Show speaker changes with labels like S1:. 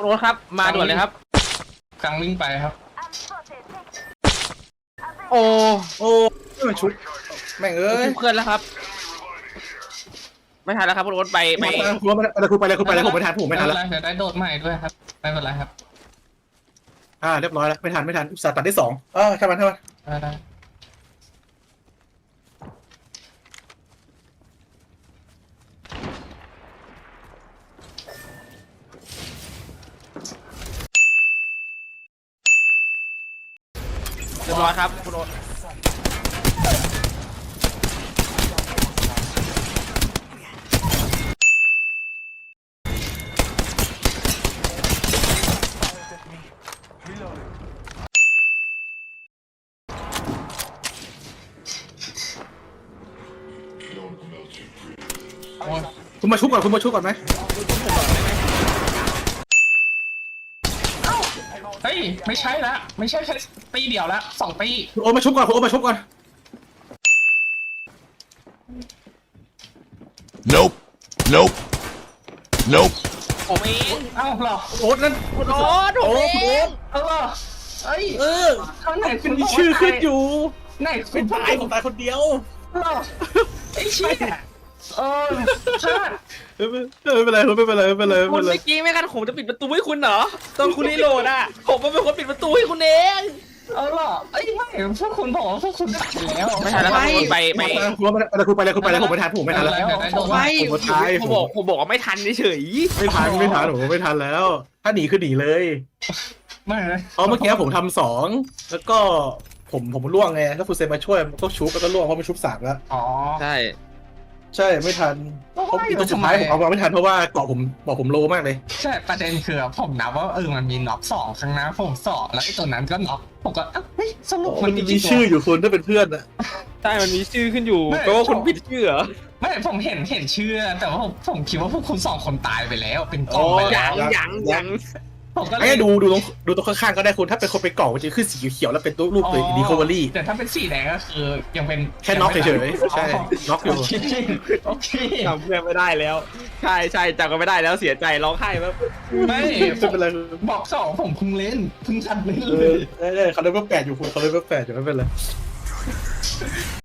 S1: คุณโอ๊ตครับมาด่วนเลยครับ
S2: กำลังวิ่งไปครับ
S1: โอ้
S3: โอ้ไม่มาชุบแม่งเอ้ย
S1: ทุบเพื่อนแล้วครับไม่ทันแล้วครับคุณโอ๊ตไป
S3: คุณอะไรคุณไปเลยผมไม่ทันผมไม่ทันแล้ว
S2: เดี๋ยวได้โดดใหม่ด้วยครับไม่เป็นไรครับ
S3: เรียบร้อยแล้วไม่ทันอุตส่าห์ตัดได้2ทำมัน
S2: ได้
S1: เรียบร้อยครับคุณโอ๊ต
S2: โอ้ย
S3: คุณมาชุบก่อนไหม
S2: เฮ้ยไม่ใช่ละไม่ใช่แค่ตีเดียวละ2 ตี
S3: คุณโอ้มาชุบก่อน
S4: Nope. Nope. Nope.
S1: ผมเอง
S2: เอ้าเหรอ
S3: โอ๊ตนั่น
S1: คุณโอ๊ตผมเอง
S2: เอ้าเหรอเอ้ย ข้างไหน
S3: เป็นมีชื่อขึ้นอยู่
S2: ไหน
S3: ผมตายคนเดียว
S2: เหรอไอ้เชี่ยพลาด
S3: ไม่เป็นไร
S1: คุณเมื่อกี้ไม่กันผมจะปิดประตูให้คุณเหรอตอนคุณรีโหลดอ่ะผมเป็นคนปิดประตูให้คุณเอง
S2: เอาเหรอไอ้ไม่พวกคุณบอกว่าพวกคุณตัดแล้ว
S1: ไม่ทันแล้วครับคุณไป
S3: คุณไปเลยผมไม่ทันแล้ว
S2: เดี๋ยวได้โดด
S1: ไม่
S3: ผมตาย
S1: ผมบอกว่าไม่ทันเฉย
S3: ไม่ทันผมไม่ทันแล้ว ถ้าหนีคือหนีเลย
S2: ไม่เลย
S3: เพราะเมื่อกี้ผมทำ2แล้วก็ผมล่วงไงถ้าคุณเซนมาช่วยมันก็ชุบแล้วก็ล่วงเพราะมันชุบ3แล้ว
S2: อ๋อ
S1: ใช่
S3: ใช่ไม่ทันเพราะตัวสุดท้ายผมเอามาไม่ทันเพราะว่าเกาะผมโลมากเลย
S2: ใช่ประเด็นคือผมนับว่ามันมีน็อก2ครั้งนะผม2แล้วไอ้ตัวนั้นก็น็อกผมก็เฮ้ยสรุป
S3: มันมีชื่ออยู่คุณถ้าเป็นเพื่อนอะ
S1: ใช่มันมีชื่อขึ้นอยู่แปลว่าคุณผิดชื่อเหรอ
S2: ไม่ผมเห็นชื่อแต่ว่าผมคิดว่าพวกคุณ2 คนตายไปแล้วเป็นกองไปแล้ว
S1: ยัง
S2: ผมก็เล
S3: ไอ้
S2: ย
S3: ดูตรงข้างๆก็ได้คุณถ้าเป็นคนไปเกาะมันจะขึ้นสีเขียวแล้วเป็นตัวรูปตัวดีคอเวอรี่
S2: แต่ถ้าเป็นสีแดงก็คือยังเป็น
S3: แค่น็อกเฉยๆใช่น็อกอยู่
S2: โอเค
S1: จำเพื่อนไม่ได้แล้ว ใช่จำกันไม่ได้แล้วเสียใจร้องไห้แบบ
S2: ไม่
S3: ไม่เป็นไร
S2: บอก2ผมเพิ่งเล่นเพิ่งทันเล่น
S3: เอ
S2: เล
S3: อย ได้เขาเล่นเบอร์8อยู่คุณเขาเล่นเบอร์8อยู่ไม่เป็นไร